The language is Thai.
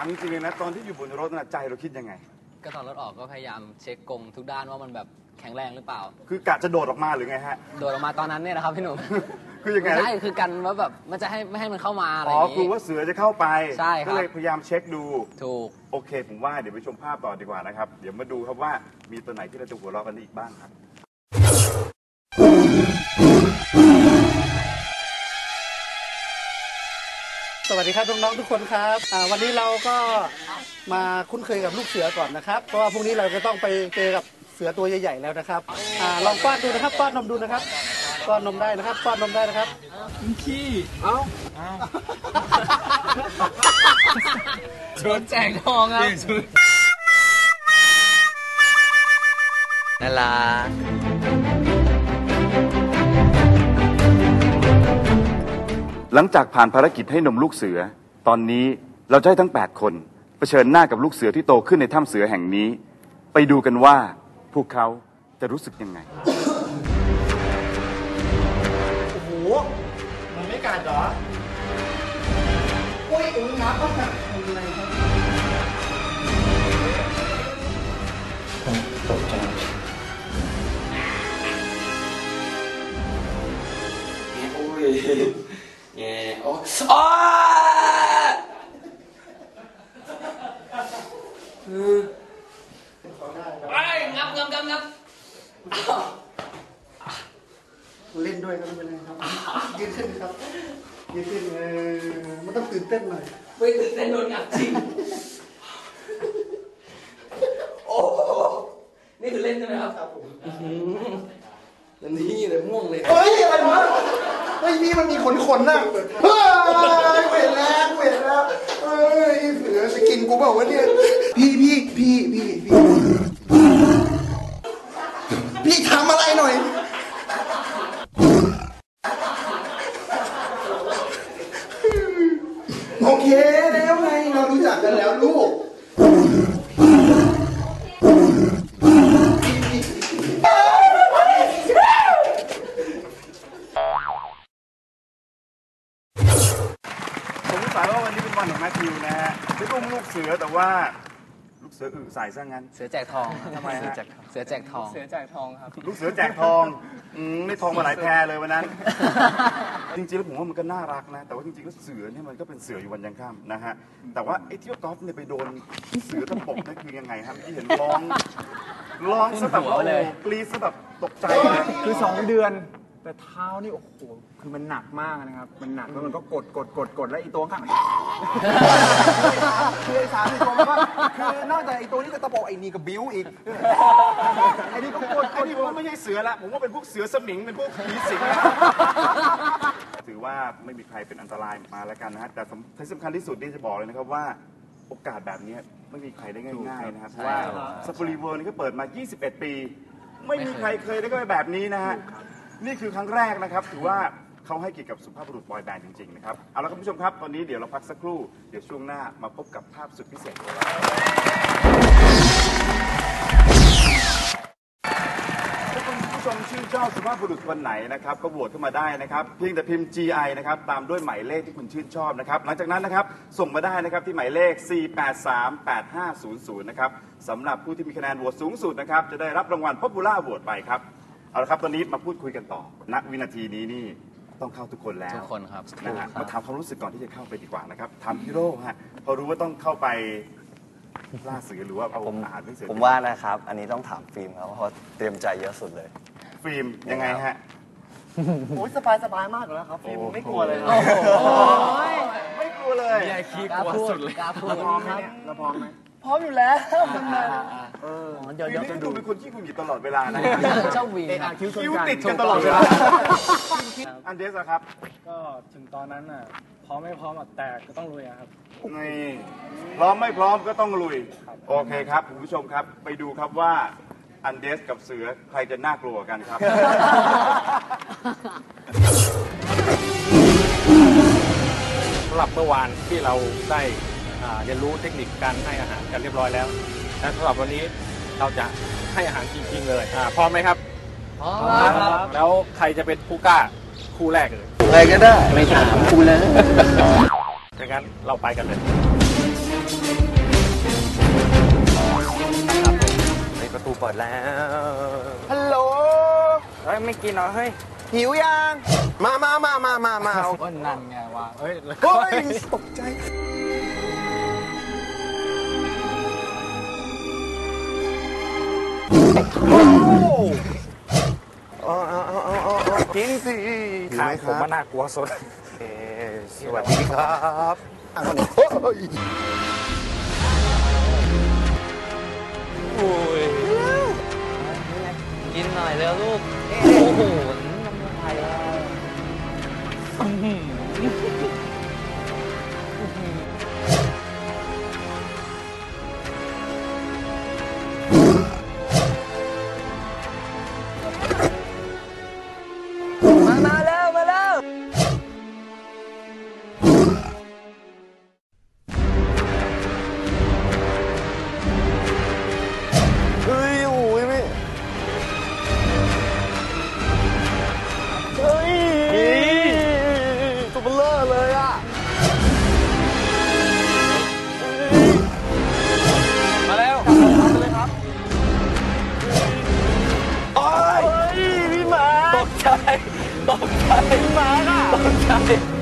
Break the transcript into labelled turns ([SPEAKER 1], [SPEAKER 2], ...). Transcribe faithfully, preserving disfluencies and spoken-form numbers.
[SPEAKER 1] จริงๆเลยนะตอนที่อยู่บนรถน่ะใจเราคิดยังไง
[SPEAKER 2] ก็ตอนรถออกก็พยายามเช็คกรงทุกด้านว่ามันแบบแข็งแรงหรือเปล่า
[SPEAKER 1] คือกะจะโดดออกมาหรือไงฮะ
[SPEAKER 2] โดดออกมาตอนนั้นเนี่ยนะครับพี่หนุ่ม
[SPEAKER 1] คือยังไง
[SPEAKER 2] ใช่คือกันว่าแบบมันจะให้ไม่ให้มันเข้ามาอะไรอ
[SPEAKER 1] ย่างนี้อ๋อกลัวว่าเสือจะเข้าไป
[SPEAKER 2] ใช่ครับ
[SPEAKER 1] ก็เลยพยายามเช็คดู
[SPEAKER 2] ถูก
[SPEAKER 1] โอเคผมว่าเดี๋ยวไปชมภาพต่อดีกว่านะครับเดี๋ยวมาดูครับว่ามีตัวไหนที่เราจะหัวเราะกันอีกบ้างครับ
[SPEAKER 3] สวัสดีครับน้องๆทุกคนครับวันนี้เราก็มาคุ้นเคยกับลูกเสือก่อนนะครับเพราะว่าพรุ่งนี้เราจะต้องไปเจอกับเสือตัวใหญ่ๆแล้วนะครับลองป้อนดูนะครับป้อนนมดูนะครับป้อนนมได้นะครับป้อนนมได้นะครับ
[SPEAKER 2] ขี้เอ้าชวนแจกทองครับน่ารัก
[SPEAKER 1] หลังจากผ่านภารกิจให้นมลูกเสือตอนนี้เราจะให้ทั้งแปดคนเผชิญหน้ากับลูกเสือที่โตขึ้นในถ้ำเสือแห่งนี้ไปดูกันว่าพวกเขาจะรู้สึกยังไง
[SPEAKER 3] โอ้โหมันไม่กัดเหรอโอ้ยอุ้งน้ำต้องหนักอะไรครับตกใจ
[SPEAKER 4] โอ้ยแง่โอ้อ้าไอ้งับงับงับงับ
[SPEAKER 3] เล่นด้วยก็ไม่เป็นไรครับยืนขึ้นครับยืนขึ้นเออมันต้องตื่นเต้นหน่อย
[SPEAKER 4] ไม่ตื่นเต้นโดนงับจริงโอ้นี่คือเล่นใช่ไหมครับครับผมแล้วนี่เลยม่วงเลย
[SPEAKER 3] เฮ้ยอะไรวะเฮ้ยนี่มันมีขนขนน่ะเฮ้ยเวทแล้วเวทแล้วเฮ้ยเสือจะกินกูเปล่าวะเนี่ยพี่พี่พี่พี่พี่พี่ทำอะไรหน่อยโอเคแล้วไงเรารู้จักกันแล้วลูก
[SPEAKER 1] ผมสงสัยว่าวันนี้เป็นวันของแมทธิวนะฮะไม่อุ้มลูกเสือแต่ว่าลูกเสืออึใส่ซะงั้น
[SPEAKER 2] เสือแจกทอง
[SPEAKER 1] ทำไมฮะ
[SPEAKER 2] เสือแจกทอง
[SPEAKER 5] เสือแจกทองครับ
[SPEAKER 1] ลูกเสือแจกทองอืมไม่ทองมาหลายแพรเลยวันนั้นจริงๆแล้วผมว่ามันก็น่ารักนะแต่ว่าจริงๆแล้วเสือเนี่ยมันก็เป็นเสืออยู่วันยังค่ำนะฮะแต่ว่าไอ้ที่ว่ากอล์ฟเนี่ยไปโดนเสือตะปบนั่นคือยังไงครับที่เห็นร้องร้องซะแบบโอ้โหกรี๊ดซะแบบตกใจ
[SPEAKER 5] คือสองเดือนแต่เท้านี่โอ้โหคือมันหนักมากนะครับมันหนักแล้วมันก็กดกดกดกดแล้วอีตัวข้างคือไอ้สามตัวมันก็คือนอกจากไอ้ตัวนี้จะตะโปไอ้นี่ก็บิ้วอีก
[SPEAKER 1] ไอ้นี่ก็กดไอ้นี่ผมไม่ใช่เสือละผมว่าเป็นพวกเสือสมิงเป็นพวกผีสิงถือว่าไม่มีใครเป็นอันตรายมาแล้วกันนะฮะแต่ที่สำคัญที่สุดที่จะบอกเลยนะครับว่าโอกาสแบบนี้ไม่มีใครได้ง่ายๆนะครับเพราะว่าซัฟฟารีเวิลด์นี่ก็เปิดมายี่สิบเอ็ดปีไม่มีใครเคยได้ก็แบบนี้นะฮะนี่คือครั้งแรกนะครับถือว่าเขาให้เกียรติกับสุภาพบุรุษบอยแบนด์จริงๆนะครับเอาละครับผู้ชมครับตอนนี้เดี๋ยวเราพักสักครู่เดี๋ยวช่วงหน้ามาพบกับภาพสุดพิเศษของเราถ้าคุณผู้ชมชื่นชอบสุภาพบุรุษคนไหนนะครับก็โหวตเข้ามาได้นะครับเพียงแต่พิมพ์ จี ไอ นะครับตามด้วยหมายเลขที่คุณชื่นชอบนะครับหลังจากนั้นนะครับส่งมาได้นะครับที่หมายเลขสี่ แปด สาม แปด ห้า ศูนย์ ศูนย์นะครับสำหรับผู้ที่มีคะแนนโหวตสูงสุดนะครับจะได้รับรางวัล Popular Award ไปครับเอาละครับตอนนี้มาพูดคุยกันต่อณวินาทีนี้นี่ต้องเข้าทุกคนแล้ว
[SPEAKER 2] ทุกคนครับ
[SPEAKER 1] นะฮะมาถามความรู้สึกก่อนที่จะเข้าไปดีกว่านะครับถามพี่โร่ฮะพอรู้ว่าต้องเข้าไปล่าเสือหรือว่าเอาอาหารให้เสือ
[SPEAKER 6] ผมว่านะครับอันนี้ต้องถามฟิล์มครับเพราะเตรียมใจเยอะสุดเลย
[SPEAKER 1] ฟิล์มยังไงฮะ
[SPEAKER 3] โอ้ยสบายสบายมากแล้วครับฟิล์มไม่กลัวเลย
[SPEAKER 1] ไม่กลัวเลย
[SPEAKER 2] ใหญ่ขี้กลัวสุดเลย
[SPEAKER 3] เราพร้อมไหมเราพร้อมไหม
[SPEAKER 5] พร้อมอยู่แล้ว
[SPEAKER 1] เดี๋ยวจะดูเป็นคนที่คุณหยิบตลอดเวลานะ
[SPEAKER 2] เจ้าวี
[SPEAKER 1] คิ้วติดกันตลอดเวลาอันเดสครับ
[SPEAKER 5] ก็ถึงตอนนั้นน่ะพร้อมไม่พร้อมแต่ก็ต้องลุยครับ
[SPEAKER 1] นี่พร้อมไม่พร้อมก็ต้องลุยโอเคครับคุณผู้ชมครับไปดูครับว่าอันเดสกับเสือใครจะน่ากลัวกันครับ
[SPEAKER 7] สำหรับเมื่อวานที่เราได้เรียนรู้เทคนิคการให้อาหารกันเรียบร้อยแล้วและสำหรับวันนี้เราจะให้อาหารจริงๆเลยพร้อมไหมครับ
[SPEAKER 2] พร้อมครับ
[SPEAKER 7] แล้วใครจะเป็นผู้กล้าคู่แรกเลย
[SPEAKER 3] ใครก็ได้
[SPEAKER 2] ไม่ถามคู่เลย
[SPEAKER 7] ดังนั้นเราไปกันเลย
[SPEAKER 6] ในประตูเปิดแล้ว
[SPEAKER 5] ฮัลโหล เฮ้ย ไม่กินเหรอ เฮ้ย หิวยัง มามามามามามาเอา
[SPEAKER 2] ก็นั่นไงวะเฮ้ย
[SPEAKER 5] เฮ้ย ตกใจ โอ้เอาเอาเอาเอาเอากินสิ
[SPEAKER 7] ข้างผมมันน่ากลัวสุด
[SPEAKER 5] เอ่อสวัสดีครับอ่ะคนนี้โอ้ย
[SPEAKER 2] โอ้ยกินหน่อยเร็วลูก โอ้โหน้ำลายแล้วอื้อหือ
[SPEAKER 5] มามาแล้ว มาแล้ว เฮ้ย โอ้ยไม่เฮ้ยตัวเบลอเลยอ่ะ
[SPEAKER 2] มาแล้ว
[SPEAKER 5] โอ้ยพี่หมา
[SPEAKER 2] ตกใจ ตกใจ
[SPEAKER 5] พี่หมาอ่ะ
[SPEAKER 2] ตกใจ